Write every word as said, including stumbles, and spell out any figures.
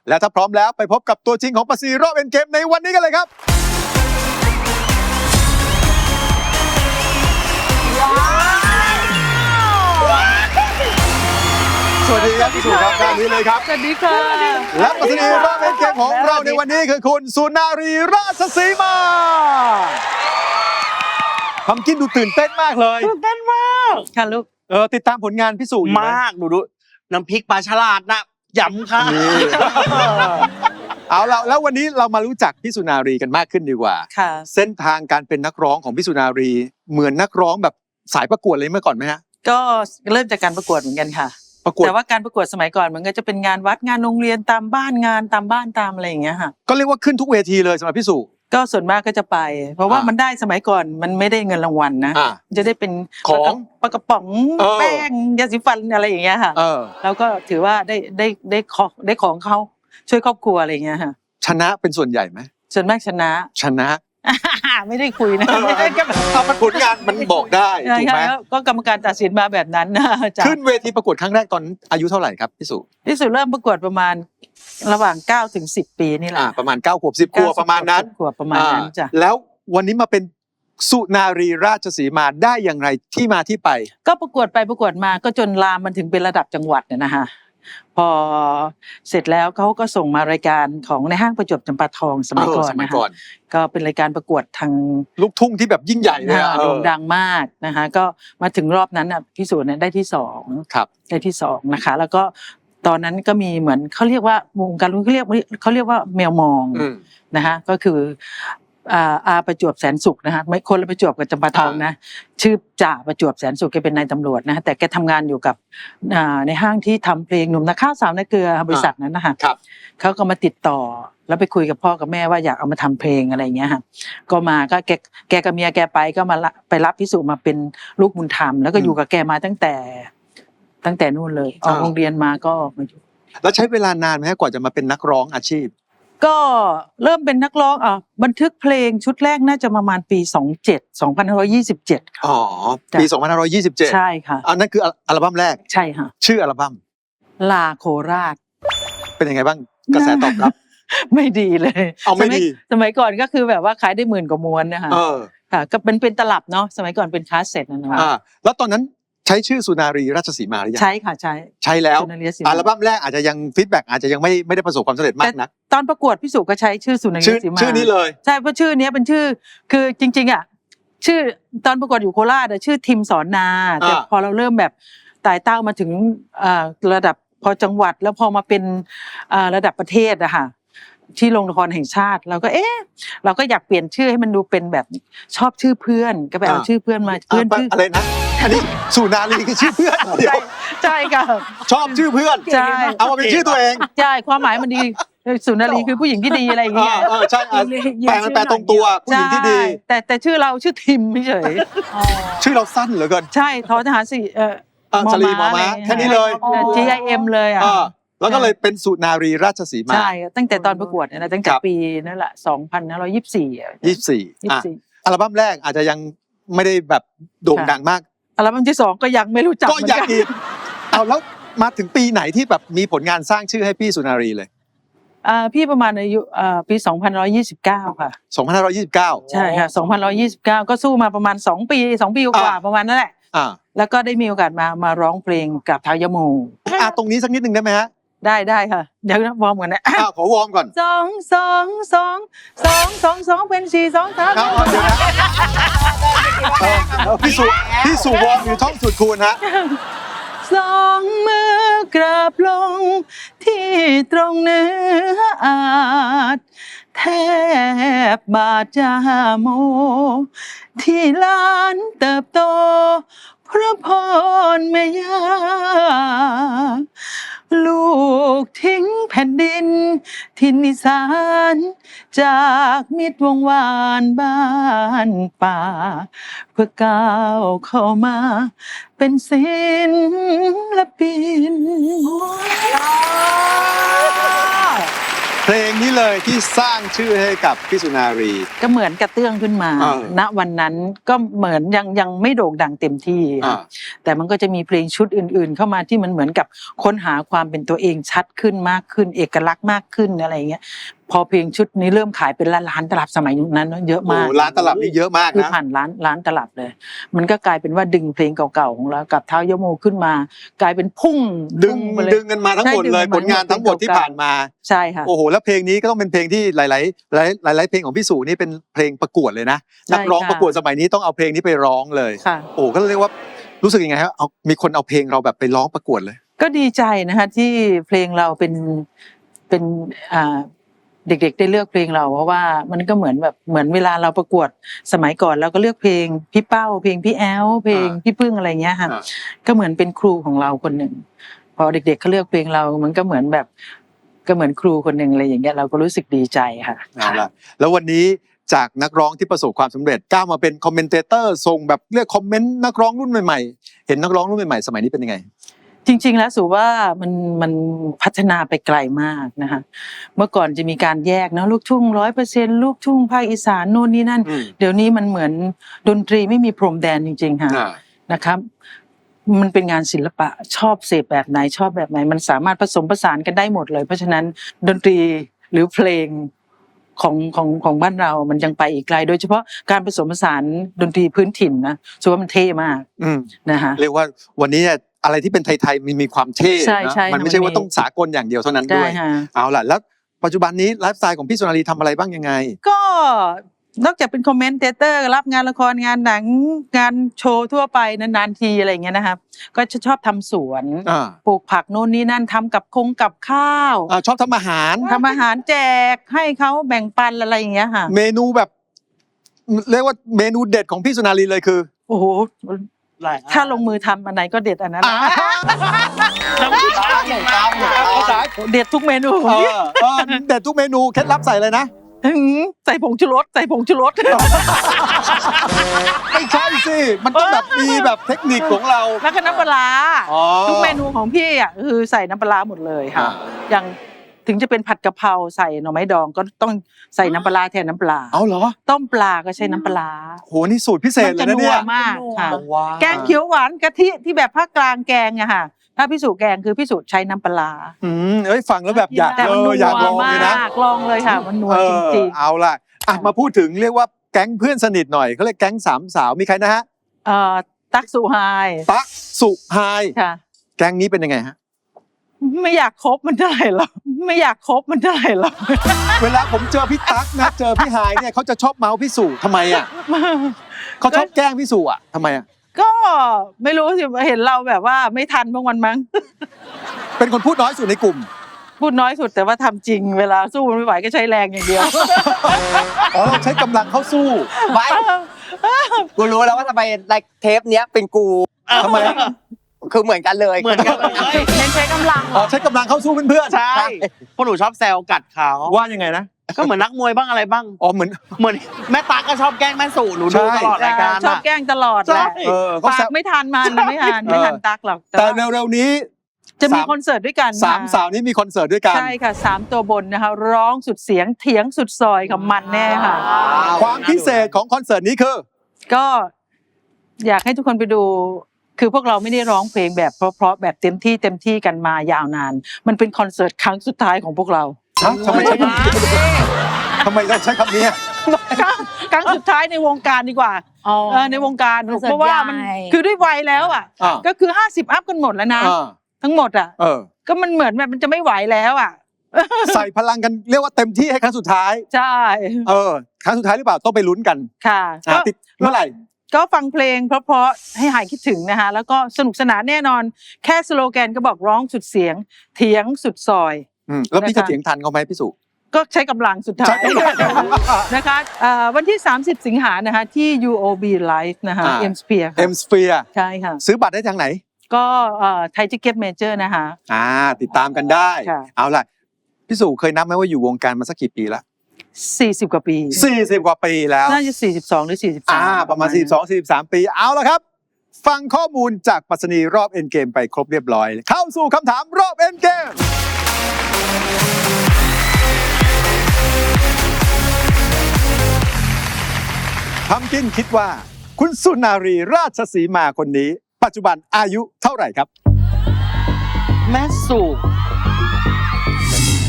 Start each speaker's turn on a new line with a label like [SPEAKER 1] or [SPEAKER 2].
[SPEAKER 1] และถ้าพร้อมแล้วไปพบกับตัวจริงของปาซีรอบเอ็นเกมในวันนี้กันเลยครับสวัสดีครับพี่สุครับด้านนี้เลยครับ
[SPEAKER 2] สวัสดีค่ะ
[SPEAKER 1] และปาซีรอบเอ็นเกมของเราในวันนี้คือคุณสุนารีราชสีมาทำกินดูตื่นเต้นมากเลย
[SPEAKER 2] ตื่นเต้นมากค่ะลูก
[SPEAKER 1] เออติดตามผลงานพี่สุ
[SPEAKER 3] มากดูดูน้ำพริกปลาฉลาดนะยำค่ะ
[SPEAKER 1] เอาละแล้ววันนี้เรามารู้จักพี่สุนารีกันมากขึ้นดีกว่า
[SPEAKER 2] ค่ะ
[SPEAKER 1] เส้นทางการเป็นนักร้องของพี่สุนารีเหมือนนักร้องแบบสายประกวดเลยเมื่อก่อนไหมฮะ
[SPEAKER 2] ก็เริ่มจากการประกวดเหมือนกันค่ะ
[SPEAKER 1] ประกวด
[SPEAKER 2] แต่ว่าการประกวดสมัยก่อนมันก็จะเป็นงานวัดงานโรงเรียนตามบ้านงานตามบ้านตามอะไรอย่างเงี้ยค่ะ
[SPEAKER 1] ก็เรียกว่าขึ้นทุกเวทีเลยสำหรับพี่สุ
[SPEAKER 2] ก็ส่วนมากก็จะไปเพราะว่ามันได้สมัยก่อนมันไม่ได้เงินรางวัลนะจะได้เป็น
[SPEAKER 1] ของ
[SPEAKER 2] ปลากระป๋องแป้งยาสีฟันอะไรอย่างเงี้ยค่ะแล้วก็ถือว่าได้ได้ได้ของได้ของเขาช่วยครอบครัวอะไรอย่างเงี้ยค่ะ
[SPEAKER 1] ชนะเป็นส่วนใหญ่ไหม
[SPEAKER 2] ส่วนมากชนะ
[SPEAKER 1] ชนะ
[SPEAKER 2] ไม่ได้คุยนะ
[SPEAKER 1] ไม่ได้ก็เอาผลงานมันบอกได้ถูกไหม
[SPEAKER 2] ก็กรรมการตัดสินมาแบบนั้นนะ
[SPEAKER 1] ขึ้นเวทีประกวดครั้งแรกตอนอายุเท่าไหร่ครับพี่สุ
[SPEAKER 2] พี่สุเริ่มประกวดประมาณระหว่างเก้าถึงสิบปีนี่แหละ
[SPEAKER 1] ประมาณเก้าขวบสิบขวบประมาณนั้น
[SPEAKER 2] ขวบประมาณนั้นจ้ะ
[SPEAKER 1] แล้ววันนี้มาเป็นสุนารีราชสีมาได้อย่างไรที่มาที่ไป
[SPEAKER 2] ก็ประกวดไปประกวดมาก็จนลามมันถึงเป็นระดับจังหวัดเนี่ยนะคะพอเสร็จแล้วเขาก็ส่งมารายการของในห้างประจวบจำปาทองสมัยก่อนนะคะก็เป็นรายการประกวดทาง
[SPEAKER 1] ลูกทุ่งที่แบบยิ่งใหญ่เลย
[SPEAKER 2] โด่งดังมากนะคะก็มาถึงรอบนั้นอ่ะพี่สุเนี่ยได้ที่สองได้ที่สองนะคะแล้วก็ตอนนั้นก็มีเหมือนเขาเรียกว่าวงการลูกเขาเรียกเขาเรียกว่าแมวมองนะคะก็คืออาอาประจวบแสนสุขนะคะไม่คนละประจวบกับจำปาทองนะชื่อจ่าประจวบแสนสุขแกเป็นนายตำรวจนะแต่แกทำงานอยู่กับในห้างที่ทำเพลงหนุ่มนักข้าวสาวนักเกลือบริษัทนั้นนะคะเขาก็มาติดต่อแล้วไปคุยกับพ่อกับแม่ว่าอยากเอามาทำเพลงอะไรอย่างเงี้ยค่ะก็มาก็แกแกกับเมียแกไปก็มาไปรับพิสูจน์มาเป็นลูกบุญธรรมแล้วก็อยู่กับแกมาตั้งแต่ตั้งแต่นู่นเลยออกโรงเรียนมาก็มาอยู่
[SPEAKER 1] แล้วใช้เวลานานไหมกว่าจะมาเป็นนักร้องอาชีพ
[SPEAKER 2] ก็เริ่มเป็นนักร้องอ่ะบันทึกเพลงชุดแรกน่าจะประมาณปีสองพันเจ็ด สองพันห้าร้อยยี่สิบเจ็ดค่ะ
[SPEAKER 1] อ๋อปีสองพันห้าร้อยยี่สิบเจ็ด
[SPEAKER 2] ใช่ค่ะ
[SPEAKER 1] อันนั้นคืออัลบั้มแรก
[SPEAKER 2] ใช่ค่ะ
[SPEAKER 1] ชื่ออัลบั้ม
[SPEAKER 2] ลาโคราช
[SPEAKER 1] เป็นยังไงบ้างกระแสตอบรับ
[SPEAKER 2] ไม่ดีเลย
[SPEAKER 1] เอาไม่ดี
[SPEAKER 2] สมัยก่อนก็คือแบบว่าขายได้หมื่นกว่าม้วนนะคะค่ะก็เป็นเป็นตลับเนาะสมัยก่อนเป็นคาสเซ็ตนะนะคะ
[SPEAKER 1] แล้วตอนนั้นใช้ชื่อสุนารีราชสีมาหรือยัง
[SPEAKER 2] ใช่ค่ะใช่
[SPEAKER 1] ใช่แล้วอัลบั้มแรกอาจจะยังฟีดแบ็กอาจจะยังไม่ไม่ได้ประสบความสำเร็จมากนัก
[SPEAKER 2] ตอนประกวดพี่สุก็ใช้ชื่อสุนารีราชสีมา
[SPEAKER 1] ชื่อนี้เลย
[SPEAKER 2] ใช่เพราะชื่อนี้เป็นชื่อคือจริงๆอ่ะชื่อตอนประกวดอยู่โคราชชื่อทิมสอนนาแต่พอเราเริ่มแบบไต่เต้ามาถึงระดับพอจังหวัดแล้วพอมาเป็นระดับประเทศอะค่ะที่โรงละครแห่งชาติเราก็เอ๊ะเราก็อยากเปลี่ยนชื่อให้มันดูเป็นแบบชอบชื่อเพื่อนก็ไปเอาชื่อเพื่อนมาเพื่อนชื่อ
[SPEAKER 1] อะไรนะอันนี้สุนารีคือชื่อเพื่อนเดียว
[SPEAKER 2] ใช่ค่ะ
[SPEAKER 1] ชอบชื่อเพื่อน
[SPEAKER 2] ใช่
[SPEAKER 1] เอามาเป็นชื่อตัวเอง
[SPEAKER 2] ใช่ความหมายมันดีสุนารีคือผู้หญิงที่ดีอะไรอย่างเงี้ย
[SPEAKER 1] เออใช่แปลแปลตรงตัวผู้หญิงที่ดี
[SPEAKER 2] แต่แต่ชื่อเราชื่อทิมไม่เฉย
[SPEAKER 1] ชื่อเราสั้นเหลือเกิน
[SPEAKER 2] ใช่ทอทหารสี่เออ
[SPEAKER 1] ชลีมอม้าแค่นี้เลย
[SPEAKER 2] จี ไอ เอ็ม เลยอ่ะ
[SPEAKER 1] แล้วก็เลยเป็นสุนารีราชสีมา
[SPEAKER 2] ใช่ตั้งแต่ตอนประกวดเนี่ยนะตั้งแต่ปีนั่นแหละสองพันห้าร้อยยี่สิบสี่
[SPEAKER 1] ยี่สิบสี่อัลบั้มแรกอาจจะยังไม่ได้แบบโด่งดังมาก
[SPEAKER 2] อัลบั้มที่สองก็ยังไม่รู้จัก
[SPEAKER 1] ก็ยังอีกเอาแล้วมาถึงปีไหนที่แบบมีผลงานสร้างชื่อให้พี่สุนารีเลย
[SPEAKER 2] อ่าพี่ประมาณอายุอ่าปีสองพันหนึ่งร้อยยี่สิบเก้าค่ะ
[SPEAKER 1] สองพันห้าร้อยยี่สิบเก้า
[SPEAKER 2] ใช่ค่ะสองพันหนึ่งร้อยยี่สิบเก้าก็สู้มาประมาณสองปีสองปีกว่าประมาณนั่นแหละ
[SPEAKER 1] อ่า
[SPEAKER 2] แล้วก็ได้มีโอกาสมามาร้องเพลงกับท้าวยโม
[SPEAKER 1] อ่าตรงนี้สักนิดนึงได้ไหมฮะ
[SPEAKER 2] ได้ได้ค่ะเดี๋ยววอร์มก่อนนะ
[SPEAKER 1] อ้าวขอวอร์มก่อน
[SPEAKER 2] สองสองสองสองสองสองเป็นสี่สองสาม
[SPEAKER 1] พี่สุพี่สุวอร์มอยู่ท่องสุดคูณฮะ
[SPEAKER 2] สองมือกราบลงที่ตรงเนื้ออาจแทบบาดจาโมที่ล้านเติบโตพระพรแม่ย่าลูกทิ้งแผ่นดินทินนิสานจากมิตรวงวานบ้านป่าเพื่อก้าวเข้ามาเป็นศิลปิน
[SPEAKER 1] เเพลงนี้เลยที่สร้างชื่อให้กับพี่สุนารี
[SPEAKER 2] ก็เหมือนกระเตื้องขึ้นมา
[SPEAKER 1] อ่า
[SPEAKER 2] ณวันนั้นก็เหมือนยังยังไม่โด่งดังเต็มที่
[SPEAKER 1] อ่า
[SPEAKER 2] แต่มันก็จะมีเพลงชุดอื่น ๆ เข้ามาที่มันเหมือนกับค้นหาความเป็นตัวเองชัดขึ้นมากขึ้นเอกลักษณ์มากขึ้นอะไรอย่างเงี้ยพอเพลงชุดนี้เริ่มขายเป็นล้านๆตลับสมัยนั้นเยอะ
[SPEAKER 1] โอ้
[SPEAKER 2] มาก
[SPEAKER 1] ร้านตลับนี่เยอะมาก
[SPEAKER 2] คือ
[SPEAKER 1] นะ
[SPEAKER 2] ผ่านร้านร้านตลับเลย มันก็กลายเป็นว่าดึงเพลงเก่าๆของเรากับเท้ายโมขึ้นมา กลายเป็นพุ่ง
[SPEAKER 1] ดึง
[SPEAKER 2] พุ่ไปเลย
[SPEAKER 1] ดึงกันมาทั้งหมด
[SPEAKER 2] ใช่
[SPEAKER 1] เลย
[SPEAKER 2] ดึง
[SPEAKER 1] ผ
[SPEAKER 2] กันมา
[SPEAKER 1] ลงานทั้งหมดที่ผ่านมา
[SPEAKER 2] ใช่ค่ะ
[SPEAKER 1] โอ้โหแล้วเพลงนี้ก็ต้องเป็นเพลงที่หลายๆหลายหลายๆเพลงของพี่สุนี่เป็นเพลงประกวดเลยนะ
[SPEAKER 2] ใช่
[SPEAKER 1] นักร้อง
[SPEAKER 2] ค่ะ
[SPEAKER 1] ประกวดสมัยนี้ต้องเอาเพลงนี้ไปร้องเลย
[SPEAKER 2] ค่ะ
[SPEAKER 1] โอ้ก็เรียกว่ารู้สึกยังไงครับเอามีคนเอาเพลงเราแบบไปร้องประกวดเลย
[SPEAKER 2] ก็ดีใจนะคะที่เพลงเราเป็นเป็นอ่าเด็กๆได้เลือกเพลงเราเพราะว่ามันก็เหมือนแบบเหมือนเวลาเราประกวดสมัยก่อนเราก็เลือกเพลงพี่เป้าเพลงพี่แอลเพลง
[SPEAKER 1] อ่า
[SPEAKER 2] พี่พึ่งอะไรเงี้ยค่ะ
[SPEAKER 1] อ่า
[SPEAKER 2] ก็เหมือนเป็นครูของเราคนหนึ่งพอเด็กๆเขาเลือกเพลงเรามันก็เหมือนแบบก็เหมือนครูคนหนึ่งอะไรอย่างเงี้ยเราก็รู้สึกดีใจค่ะ
[SPEAKER 1] เอาล่ะแล้ววันนี้จากนักร้องที่ประสบความสำเร็จก้าวมาเป็นคอมเมนเตเตอร์ส่งแบบเรียกคอมเมนต์นักร้องรุ่นใหม่ๆเห็นนักร้องรุ่นใหม่ๆสมัยนี้เป็นยังไง
[SPEAKER 2] จริงๆแล้วสูว่ามันมันพัฒนาไปไกลมากนะคะเมื่อก่อนจะมีการแยกเนาะลูกทุ่งร้อยเปอร์เซ็นต์ลูกทุ่งภาคอีสานโน่นนี่นั่น
[SPEAKER 1] อืม
[SPEAKER 2] เดี๋ยวนี้มันเหมือนดนตรีไม่มีพรมแดนจริงๆค่ะ
[SPEAKER 1] อ่า
[SPEAKER 2] นะครับ มันเป็นงานศิลปะชอบเสพแบบไหนชอบแบบไหน มันสามารถผสมผสานกันได้หมดเลย เพราะฉะนั้นดนตรีหรือเพลงของของของบ้านเรามันยังไปอีกไกล โดยเฉพาะการผสมผสานดนตรีพื้นถิ่นนะสูว่ามันเท่มาก
[SPEAKER 1] อืม
[SPEAKER 2] นะคะ
[SPEAKER 1] เรียกว่าวันนี้อะไรที่เป็นไทยๆมันมีความเท่
[SPEAKER 2] ใช่
[SPEAKER 1] นะ
[SPEAKER 2] ใช่
[SPEAKER 1] มันไม่ใช่
[SPEAKER 2] มันมี
[SPEAKER 1] ว่าต้องสากลอย่างเดียวเท่านั้น
[SPEAKER 2] ได้
[SPEAKER 1] ด้วย
[SPEAKER 2] ค่ะ
[SPEAKER 1] เอาล่ะแล้วปัจจุบันนี้ไลฟ์สไตล์ของพี่สุนารีทำอะไรบ้างยังไง
[SPEAKER 2] ก็นอกจากเป็นคอมเมนเตเตอร์รับงานละครงานหนังงานโชว์ทั่วไปนานๆทีอะไรอย่างเงี้ยนะครับก็จะชอบทำสวน
[SPEAKER 1] อ่า
[SPEAKER 2] ปลูกผักโน่นนี่นั่นทำกับคงกับข้าว
[SPEAKER 1] อ่าชอบทำอาหาร
[SPEAKER 2] ทำอาหารแจกให้เขาแบ่งปันอะไรอย่างเงี้ยค่ะ
[SPEAKER 1] เมนูแบบ เรียกว่าเมนูเด็ดของพี่สุนารีเลยคือ
[SPEAKER 2] โอ้โห
[SPEAKER 3] หลายอัน
[SPEAKER 2] ถ้าลงมือทำอันไหนก็เด็ดอันนั้น
[SPEAKER 1] อ่า
[SPEAKER 3] ต้องติดตามติดตามติดตาม
[SPEAKER 1] ภาษา
[SPEAKER 2] เด็ดทุกเมนู
[SPEAKER 1] เออเออเด็ดทุกเมนูเคล็ดลับใส่เลยนะ
[SPEAKER 2] หืมใส่ผงชูรสใส่ผงชูรส
[SPEAKER 1] ไม่ใช่สิ มันต้องแบบมีแบบเทคนิคของเรา
[SPEAKER 2] แล้วก็น้ำปลาร้า
[SPEAKER 1] อ๋อ
[SPEAKER 2] ทุกเมนูของพี่อ่ะคือใส่น้ำปลาร้าหมดเลยค่ะ
[SPEAKER 1] อ่า
[SPEAKER 2] อย่างถึงจะเป็นผัดกะเพราใส่หน่อไม้ดองก็ต้องใส่น้ำปลาร้าแทนน้ำปลา
[SPEAKER 1] เอาเหรอ
[SPEAKER 2] ต้มปลาก็ใช้น้ำปลาร้า
[SPEAKER 1] โหนี่สูตรพิเศษ
[SPEAKER 2] มั
[SPEAKER 1] เลย
[SPEAKER 2] จะ
[SPEAKER 1] นะ
[SPEAKER 2] นั
[SPEAKER 1] เนี่
[SPEAKER 2] วย มากค่ะ
[SPEAKER 1] ว้าว
[SPEAKER 2] แกงเขียวหวานกะทิที่แบบภาคกลางแกงอะค่ะ ถ้าพิสูจน์แกงคือพิสูจน์ใช้น้ำปลาร้า
[SPEAKER 1] อืมเอ้ยฟังแล้วแบบอยาก
[SPEAKER 2] แต่
[SPEAKER 1] เอ
[SPEAKER 2] มันนั
[SPEAKER 1] อ
[SPEAKER 2] ว
[SPEAKER 1] อยากลอง
[SPEAKER 2] มา
[SPEAKER 1] เลยนะ
[SPEAKER 2] กลองเลยค่ะ มันนัว
[SPEAKER 1] เอ
[SPEAKER 2] จ
[SPEAKER 1] อ
[SPEAKER 2] ริง
[SPEAKER 1] เอาล่ะอ่ะมาพูดถึงเรียกว่าแก๊งเพื่อนสนิทหน่อยเขาเรียกแก๊งสามสาวมีใครนะฮะ
[SPEAKER 2] ๆเอ่อตักสุไฮ
[SPEAKER 1] ตั๊กสุไฮ
[SPEAKER 2] ค่ะ
[SPEAKER 1] แก๊งนี้เป็นยังไงฮะ
[SPEAKER 2] ไม่อยากคบมันเท่าไหร่หรอกไม่อยากคบมันเท่าไหร่หรอก
[SPEAKER 1] เวลาผมเจอพี่ตั๊กนะเจอพี่ไฮเนี่ยเขาจะชอบเมาส์พี่สุทำไมอ่ะเขาชอบแกล้งพี่สุอ่ะทำไมอ่ะ
[SPEAKER 2] ก็ไม่รู้สิเห็นเราแบบว่าไม่ทันบางวันมั้ง
[SPEAKER 1] เป็นคนพูดน้อยสุดในกลุ่ม
[SPEAKER 2] พูดน้อยสุดแต่ว่าทำจริงเวลาสู้มันไม่ไหวก็ใช้แรงอย่างเดียว
[SPEAKER 1] อ๋อเราใช้กำลังเข้าสู้
[SPEAKER 4] ไม่กูรู้แล้วว่าทำไมในเทปเนี้ยเป็นกู
[SPEAKER 1] ทำไม
[SPEAKER 4] คือเหมือนกันเลย
[SPEAKER 3] เหมือนกันเลย
[SPEAKER 2] เน้นใช้กำลัง
[SPEAKER 1] อ๋อใช้กำลังเข้าสู้เพื่อน
[SPEAKER 3] ใช่พวกหนูชอบแซวกัดเขา
[SPEAKER 1] ๆว่ายังไงนะ
[SPEAKER 3] ก็เหมือนนักมวยบ้างอะไรบ้าง
[SPEAKER 1] อ๋อเหมือน
[SPEAKER 3] เหมือนแม่ตาก็ชอบแกล้งแม่สู่หนูดู
[SPEAKER 1] ใช่
[SPEAKER 3] ตลอดรายการ
[SPEAKER 2] ชอบ
[SPEAKER 3] อะ
[SPEAKER 2] แกล้งตลอดแหละ
[SPEAKER 3] ใช่
[SPEAKER 1] เออเขา
[SPEAKER 2] ปา
[SPEAKER 1] แซ
[SPEAKER 2] ก
[SPEAKER 1] ว
[SPEAKER 2] ไม่ทันมันไม่ทันไม่ทันตักหรอก
[SPEAKER 1] แต่
[SPEAKER 2] ว่า
[SPEAKER 1] เร็วๆนี้
[SPEAKER 2] จะมี
[SPEAKER 1] สาม
[SPEAKER 2] คอนเสิร์ตด้วยกัน
[SPEAKER 1] สาม
[SPEAKER 2] ค่ะ
[SPEAKER 1] สาวนี้มีคอนเสิร์ตด้วยกัน
[SPEAKER 2] ใช่ค่ะสามตัวบนนะคะร้องสุดเสียงเถียงสุดซอยกับมันแน่ค่ะ
[SPEAKER 1] ความพิเศษของคอนเสิร์ตนี้คือ
[SPEAKER 2] ก็อยากให้ทุกคนไปดู คือพวกเราไม่ได้ร้องเพลงแบบเพราะๆแบบเต็มที่เต็มที่กันมายาวนาน มันเป็นคอนเสิร์ตครั้งสุดท้ายของพวกเรา
[SPEAKER 1] ฮะทำไมใช้คำนี้ทำไมต้องใช้คำนี้อะ
[SPEAKER 2] ครั้งครั้งสุดท้ายในวงการดีกว่า
[SPEAKER 5] อ๋อ
[SPEAKER 2] เออในวงการ
[SPEAKER 5] คอนเสิร์ต
[SPEAKER 2] เพราะว่ามัน
[SPEAKER 5] ใหญ่
[SPEAKER 2] คือด้วยวัยแล้วอ่ะ
[SPEAKER 1] อ่า
[SPEAKER 2] ก็คือห้าสิบอัพกันหมดแล้วนะ
[SPEAKER 1] อ่า
[SPEAKER 2] ทั้งหมดอ่ะ
[SPEAKER 1] เออ
[SPEAKER 2] ก็มันเหมือนแบบมันจะไม่ไหวแล้วอ่ะ
[SPEAKER 1] ใส่พลังกันเรียกว่าเต็มที่ให้ครั้งสุดท้าย
[SPEAKER 2] ใช่
[SPEAKER 1] เออ ครั้งสุดท้ายหรือเปล่าต้องไปลุ้นกัน
[SPEAKER 2] ค่ะ
[SPEAKER 1] อ่ะ
[SPEAKER 2] ก็
[SPEAKER 1] ติดเมื่อไหร่
[SPEAKER 2] ก็ฟังเพลงเพราะๆให้หายคิดถึงนะคะแล้วก็สนุกสนานแน่นอน แค่สโลแกนก็บอกร้องสุดเสียง เถียงสุดซอย
[SPEAKER 1] อืมแล้วพี่
[SPEAKER 2] นะคะ
[SPEAKER 1] จะเถียงทันเขาไหมพี่สุ
[SPEAKER 2] ก็ใช้กำลังสุดท้า
[SPEAKER 1] ใช้
[SPEAKER 2] ย
[SPEAKER 1] กำลัง
[SPEAKER 2] นะคะเอ่อวันที่ สามสิบ สิงหานะคะที่ ยู โอ บี Live นะคะ
[SPEAKER 1] อ่า
[SPEAKER 2] M Sphere
[SPEAKER 1] เอ็มสเฟีย
[SPEAKER 2] ใช่ค่ะ
[SPEAKER 1] ซื้อบัตรได้ทางไหน
[SPEAKER 2] ก็ไทยทิเก็ตเมเจอร์นะคะ
[SPEAKER 1] อ่า ติดตามกันได้
[SPEAKER 2] ค่ะ
[SPEAKER 1] เอาล่ะ พี่สุเคยนับไหมว่าอยู่วงการมาสักกี่ปีละ
[SPEAKER 2] สี่สิบ กว่าปี
[SPEAKER 1] สี่สิบกว่าปีแล้ว
[SPEAKER 2] น่าจะสี่สิบสองหรือสี่สิบสาม
[SPEAKER 1] อ่า ประมาณ สี่สิบสอง สี่สิบสาม ปี เอาละครับ ฟังข้อมูลจากปรัชนีรอบเอ็นเกมไปครบเรียบร้อย เข้าสู่คำถามรอบเอ็นเกมพัมกินคิดว่าคุณสุนารีราชสีมาคนนี้ ปัจจุบันอายุเท่าไหร่ครับ
[SPEAKER 3] แม่สุ